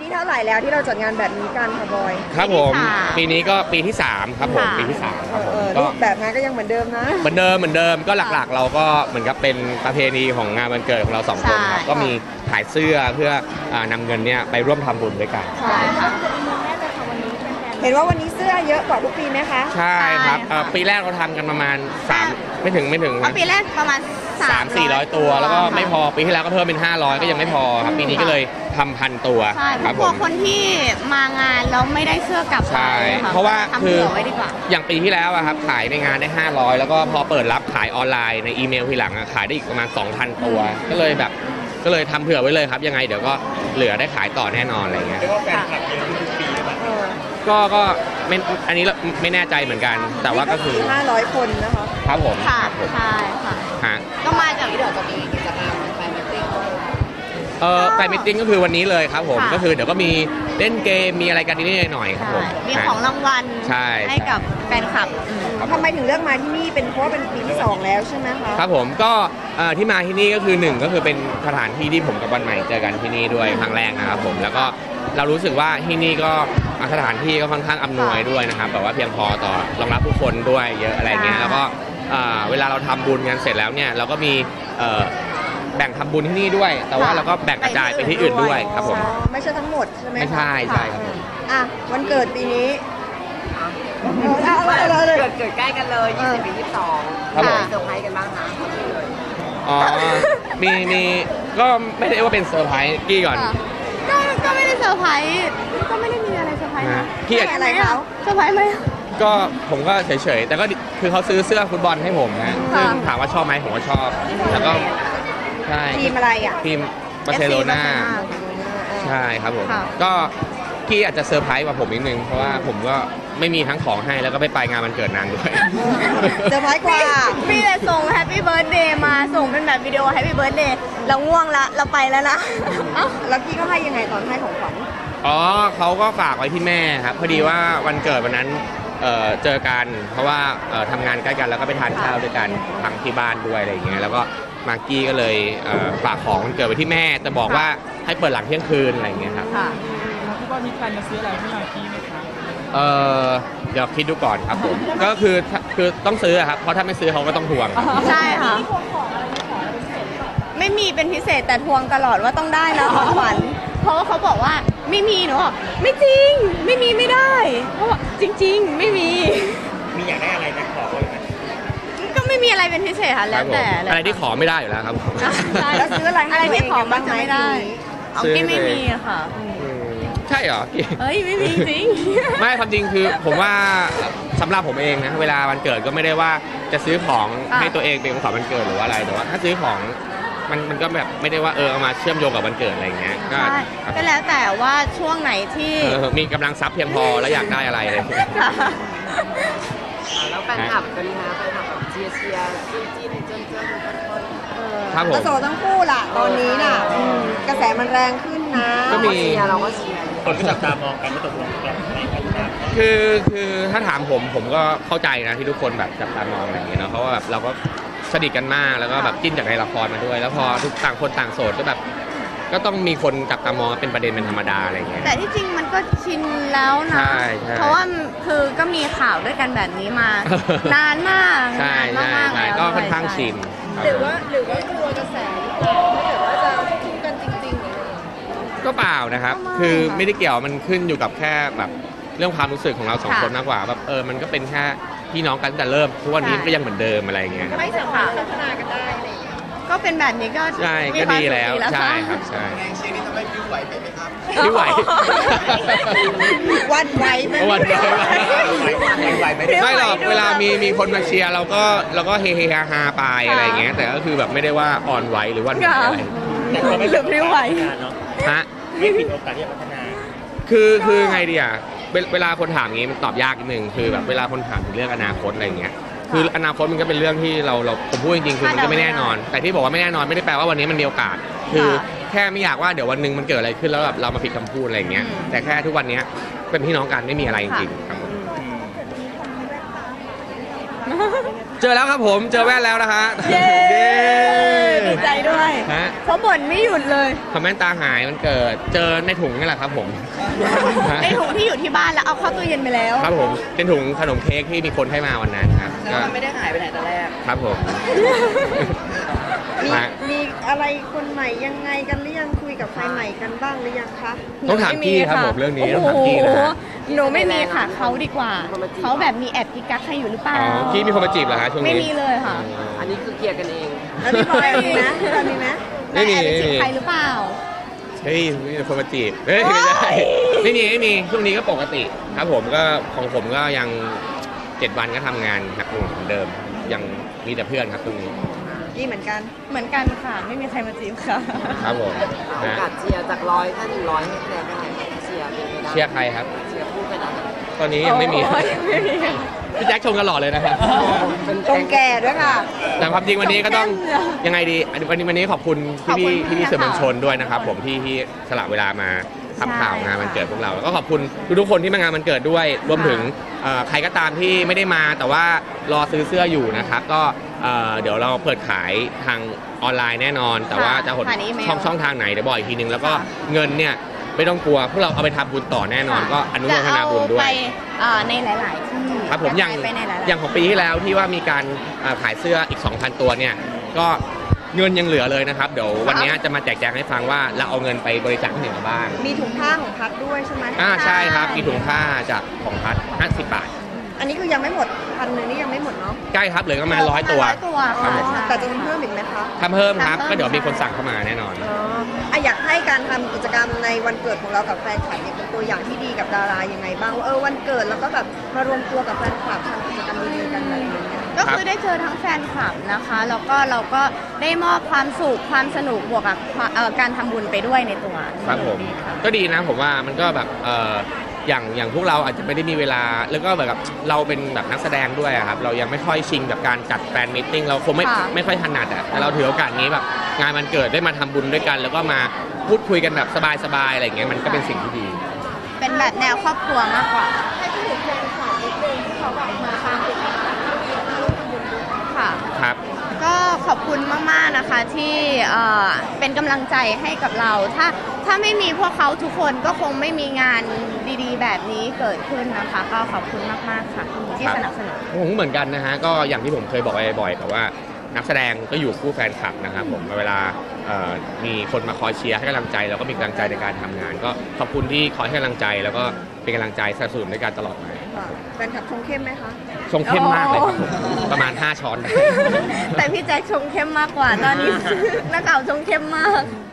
นี้เท่าไหร่แล้วที่เราจัดงานแบบนี้กันค่ะบอยครับผมปีนี้ก็ปีที่3ครับผมปีที่3ครับผมรูปแบบงานก็ยังเหมือนเดิมนะเหมือนเดิมก็หลักๆเราก็เหมือนกับเป็นประเพณีของงานวันเกิดของเรา2คนครับก็มีขายเสื้อเพื่อนำเงินเนี่ยไปร่วมทำบุญด้วยกันใช่ค่ะเห็นว่าวันนี้เสื้อเยอะกว่าทุกปีไหมคะใช่ครับปีแรกเราทำกันประมาณ3ไม่ถึงปีแรกประมาณ 300-400 ตัวแล้วก็ไม่พอปีที่แล้วก็เพิ่มเป็น500ก็ยังไม่พอครับปีนี้ก็เลยทำ1,000 ตัวครับผมคนที่มางานแล้วไม่ได้เสื้อกลับไปเพราะว่าคืออย่างปีที่แล้วครับขายในงานได้500แล้วก็พอเปิดรับขายออนไลน์ในอีเมลทีหลังขายได้อีกประมาณ 2,000 ตัวก็เลยทำเผื่อไว้เลยครับยังไงเดี๋ยวก็เหลือได้ขายต่อแน่นอนอะไรเงี้ยเรียกว่าแฟนคลับเยอะทุกปีหรือเปล่าก็ไม่อันนี้ไม่แน่ใจเหมือนกันแต่ว่าก็คือ 500 คนนะคะครับผมใช่ค่ะก็มาจากเดี๋ยวจะมีกิจกรรมแฟนมิตติ้งแฟนมิตติ้งก็คือวันนี้เลยครับผมก็คือเดี๋ยวก็มีเล่นเกมมีอะไรกันนิดหน่อยครับผมมีของรางวัลให้กับแฟนคลับทำไมถึงเลือกมาที่นี่เป็นเพราะเป็นปีที่2แล้วใช่ไหมคะครับผมก็ที่มาที่นี่ก็คือ1ก็คือเป็นสถานที่ที่ผมกับวันใหม่เจอกันที่นี่ด้วยครั้งแรกนะครับผมแล้วก็เรารู้สึกว่าที่นี่ก็สถานที่ก็ค่อนข้างอำนวยด้วยนะครับแบบว่าเพียงพอต่อรองรับผู้คนด้วยเยอะอะไรเงี้ยแล้วก็เวลาเราทำบุญกันเสร็จแล้วเนี่ยเราก็มีแบ่งทำบุญที่นี่ด้วยแต่ว่าเราก็แบ่งกระจายไปที่อื่นด้วยครับผมไม่ใช่ทั้งหมดใช่ไหมไม่ใช่ครับวันเกิดปีนี้เกิดใกล้กันเลย20 ปี 22 ครับผมเซอร์ไพรส์กันบ้างคะมีก็ไม่ได้ว่าเป็นเซอร์ไพรส์กี้ก่อนก็ไม่ได้เซอร์ไพรส์ก็ไม่ได้มีอะไรเซอร์ไพรส์นะพี่อะไรเขาเซอร์ไพรส์ไหมก็ผมก็เฉยๆแต่ก็คือเขาซื้อเสื้อฟุตบอลให้ผมนะซึ่งถามว่าชอบไหมผมก็ชอบแล้วก็ใช่ทีมอะไรทีมบาร์เซโลนาใช่ครับผมก็กี้อาจจะเซอร์ไพรส์กว่าผมนิดนึงเพราะว่าผมก็ไม่มีทั้งของให้แล้วก็ไม่ไปงานวันเกิดนางด้วยเซอร์ไพรส์กว่าพี่เลยส่งแฮปปี้เบิร์ธเดย์มาส่งเป็นแบบวิดีโอแฮปปี้เบิร์ธเดย์เราง่วงละเราไปแล้วนะแล้วพี่ก็ให้ยังไงตอนให้ของขวัญเขาก็ฝากไว้ที่แม่ครับพอดีว่าวันเกิดวันนั้นเจอกันเพราะว่าทำงานใกล้กันแล้วก็ไปทานข้าวด้วยกันทั้งที่บ้านด้วยอะไรอย่างเงี้ยแล้วก็มากกี้ก็เลยฝากของวันเกิดไปที่แม่แต่บอกว่าให้เปิดหลังเที่ยงคืนอะไรอย่างเงี้ยครับพี่บอลมีแพลนจะซื้ออะไรให้มากกี้ไหมคะเดี๋ยวคิดดูก่อนครับผมก็คือต้องซื้อครับเพราะถ้าไม่ซื้อเขาก็ต้องทวงใช่ค่ะไม่มีเป็นพิเศษแต่ทวงตลอดว่าต้องได้นะของขวัญเพราะว่าเขาบอกว่าไม่มีหนูบอกไม่จริงไม่มีไม่ได้เพราะว่าจริงๆไม่มีอยากได้อะไรนะขอเลยก็ไม่มีอะไรเป็นพิเศษค่ะแล้วแต่อะไรที่ขอไม่ได้อยู่แล้วครับแล้วซื้ออะไรที่ขอบ้างไม่ได้เอากี้ไม่มีอะค่ะใช่เหรอเฮ้ยไม่มีจริงไม่ความจริงคือผมว่าสำหรับผมเองนะเวลาวันเกิดก็ไม่ได้ว่าจะซื้อของให้ตัวเองเป็นของขวัญวันเกิดหรือว่าอะไรแต่ว่าถ้าซื้อของมันก็แบบไม่ได้ว่าเอามาเชื่อมโยงกับวันเกิดอะไรอย่างเงี้ยก็แล้วแต่ว่าช่วงไหนที่มีกำลังทรัพย์เพียงพอแล้วอยากได้อะไรเลยแล้วแฟนคลับกันนะแฟนคลับแบบเชียร์จิ้นเจิ้นครับผมกระโสทั้งคู่ล่ะตอนนี้น่ะกระแสมันแรงขึ้นนะก็มีเราก็เชียร์คนก็จับตามองกันว่าตกลงกันในกันนะคือถ้าถามผมก็เข้าใจนะที่ทุกคนแบบจับตามองอะไรอย่างเงี้ยเนาะเพราะว่าแบบเราก็สนิทกันมากแล้วก็แบบจิ้นจากในละครมาด้วยแล้วพอทุกต่างคนต่างโสดก็แบบก็ต้องมีคนจับตามองเป็นประเด็นเป็นธรรมดาอะไรอย่างเงี้ยแต่ที่จริงมันก็ชินแล้วนะเพราะว่าคือก็มีข่าวด้วยกันแบบนี้มานานมากใช่ก็ค่อนข้างชินหรือว่ากลัวกระแสถ้าเกิดว่าจะคู่กันจริงๆก็เปล่านะครับคือไม่ได้เกี่ยวมันขึ้นอยู่กับแค่แบบเรื่องความรู้สึกของเรา2คนมากกว่าแบบมันก็เป็นแค่พี่น้องกันแต่เริ่มทุกวันนี้ก็ยังเหมือนเดิมอะไรอย่างเงี้ยไม่สามารถพัฒนากันได้อะไรก็เป็นแบบนี้ก็ใช่ก็ดีแล้วใช่ครับใช่เชียร์นี้ทำให้พิ้วไหวไปไหมครับพิ้วไหววันไหวไหมไม่หรอกเวลามีคนมาเชียร์เราก็เฮฮาไปอะไรอย่างเงี้ยแต่ก็คือแบบไม่ได้ว่าอ่อนไหวหรือว่าอะไรแต่ก็ไม่พิ้วไหวฮะไม่ผิดโอกาสที่จะพัฒนาคือไงดีอ่ะเวลาคนถามงี้มันตอบยากนิดนึงคือแบบเวลาคนถามถึงเรื่องอนาคตอะไรอย่างเงี้ยคืออนาคตมันก็เป็นเรื่องที่เราผมพูดจริงๆคือมันก็ไม่แน่นอนแต่ที่บอกว่าไม่แน่นอนไม่ได้แปลว่าวันนี้มันมีโอกาสคือแค่ไม่อยากว่าเดี๋ยววันนึงมันเกิดอะไรขึ้นแล้วแบบเรามาผิดคำพูดอะไรอย่างเงี้ยแต่แค่ทุกวันนี้เป็นพี่น้องกันไม่มีอะไรจริงๆครับผมเจอแล้วครับผมเจอแว่นแล้วนะฮะดีใจด้วยฮะเพราะบ่นไม่หยุดเลยคอมเมนต์ตาหายมันเกิดเจอในถุงนี่แหละครับผมฮะในถุงที่อยู่ที่บ้านแล้วเอาเข้าตู้เย็นไปแล้วครับผมเป็นถุงขนมเค้กที่มีคนให้มาวันนั้นครับแล้วมันไม่ได้หายไปไหนแต่แรกครับผมมีฮะมีอะไรคนใหม่ยังไงกันหรือยังคุยกับใครใหม่กันบ้างหรือยังคะต้องถามพี่ครับผมเรื่องนี้ต้องถามพี่นะโอ้โหฮะหนูไม่มีค่ะเขาดีกว่า เขาแบบมีแอบกิ๊กกักใครอยู่หรือเปล่าอ๋อพี่มีคนมาจีบเหรอฮะช่วงนี้ไม่มีเลยค่ะอันนี้คือเคลียร์กันเองแล้วพี่บอยมีไหมพี่บอยมีไหมไม่มีแอบไปจีบไม่มีใครหรือเปล่าเฮ้ยมีคนมาจีบเฮ้ยไม่ใช่ไม่มีช่วงนี้ก็ปกติครับผมก็ของผมก็ยัง7 วันก็ทำงานหนักหน่วงเหมือนเดิม ยังมีแต่เพื่อนครับช่วงนี้นี่เหมือนกันเหมือนกันค่ะ ไม่มีใครมาจีบค่ะครับผมโอนะกาสเชียร์จาก100ถ้า100ให้คะแนนเท่าไหร่เชียร์เป็นไปได้เชียร์ใครครับเชียร์พูดไปได้ตอนนี้ยังไม่มีโอ้ยไม่มีพี่แจ็คชมกันหล่อเลยนะครับเป็นตรงแก่ด้วยค่ะแต่ความจริงวันนี้ก็ต้องชมแก้มเลยยังไงดีวันนี้ขอบคุณขอบคุณพี่มากสื่อมวลชนค่ะด้วยนะครับผมที่สละเวลามาทำข่าวใช่งานวันค่ะเกิดพวกเราแล้วก็ขอบคุณทุกๆคนที่มางานวันเกิดด้วยรวมถึงใครก็ตามที่ไม่ได้มาแต่ว่ารอซื้อเสื้ออยู่นะครับก็เดี๋ยวเราเปิดขายทางออนไลน์แน่นอน แต่ว่าจะหดผ่านอีเมลช่องทางไหนเดี๋ยวบอกอีกทีนึงแล้วก็ค่ะเงินเนี่ยไม่ต้องกลัวพวกเราเอาไปทำบุญต่อแน่นอน ก็อนุโมทนาบุญด้วจะยเอาไปในหลาย ๆ ที่ครับผมอย่างไปในหลายๆอย่างของปีที่แล้วที่ว่ามีการขายเสื้ออีก 2,000 ตัวเนี่ยก็เงินยังเหลือเลยนะครับ เดี๋ยววันนี้จะมาแจกแจงให้ฟังว่าเราเอาเงินไปบริจาคที่ไหนมาบ้างมีถุงผ้าของพัดด้วยใช่ไหมใช่ครับมีถุงผ้าจากของพัด50 บาทอันนี้คือยังไม่หมด1,000นี่ยังไม่หมดเนาะใกล้ครับเหลือประมาณ100 ตัว 100 ตัวครับค่ะผมใช่แต่จะมีเพิ่มอีกไหมคะทำเพิ่มครับทำเพิ่มก็เดี๋ยวมีคนสั่งเข้ามาแน่นอนอยากให้การทำกิจกรรมในวันเกิดของเรากับแฟนคลับเนี่ยเป็นตัวอย่างที่ดีกับดารายังไงบ้างว่าวันเกิดแล้วก็แบบมารวมตัวกับแฟนคลับทำกิจกรรมดีๆกันอะไรอย่างเงี้ยก็คือได้เจอทั้งแฟนคลับนะคะ แล้วก็เราก็ได้มอบความสุขความสนุกบวกกับการทำบุญไปด้วยในตัวครับผมก็ดีนะผมว่ามันก็แบบอย่างพวกเราอาจจะไม่ได้มีเวลาแล้วก็แบบเราเป็นแบบนักแสดงด้วยอะครับเรายังไม่ค่อยชิงกับการจัดแฟนมิทติ้งเราคงไม่ค่อยถนัดอะแต่เราถือโอกาสนี้แบบงานวันเกิดได้มาทำบุญด้วยกัน แล้วก็มาพูดคุยกันแบบสบายๆอะไรอย่างเงี้ยมันก็เป็นสิ่งที่ดีเป็นแบบแนวครอบครัวมากกว่าให้พูดถึงแฟนคลับนิดนึงที่เขาแบบมาตามติดตามมาร่วมทำบุญด้วยค่ะครับก็ขอบคุณมากๆนะคะที่เป็นกำลังใจให้กับเรา ถ้าไม่มีพวกเขาทุกคนก็คงไม่มีงานดีๆ แบบนี้เกิดขึ้นนะคะ ก็ขอบคุณมากๆค่ะที่สนับสนุนผมเหมือนกันนะฮะก็อย่างที่ผมเคยบอกไปบ่อยๆแต่ว่านักแสดงก็อยู่คู่แฟนคลับนะครับผมเวลามีคนมาคอยเชียร์ให้กำลังใจเราก็มีกำลังใจในการทำงาน ก็ขอบคุณที่คอยให้กำลังใจแล้วก็เป็นกำลังใจสนับสนุนด้วยกันตลอดมาแฟนคลับชงเข้มไหมคะชงเข้มมากเลยครับผมประมาณ5 ช้อนได้แต่พี่แจ็คชงเข้มมากกว่าตอนนี้ นักข่าวชงเข้มมาก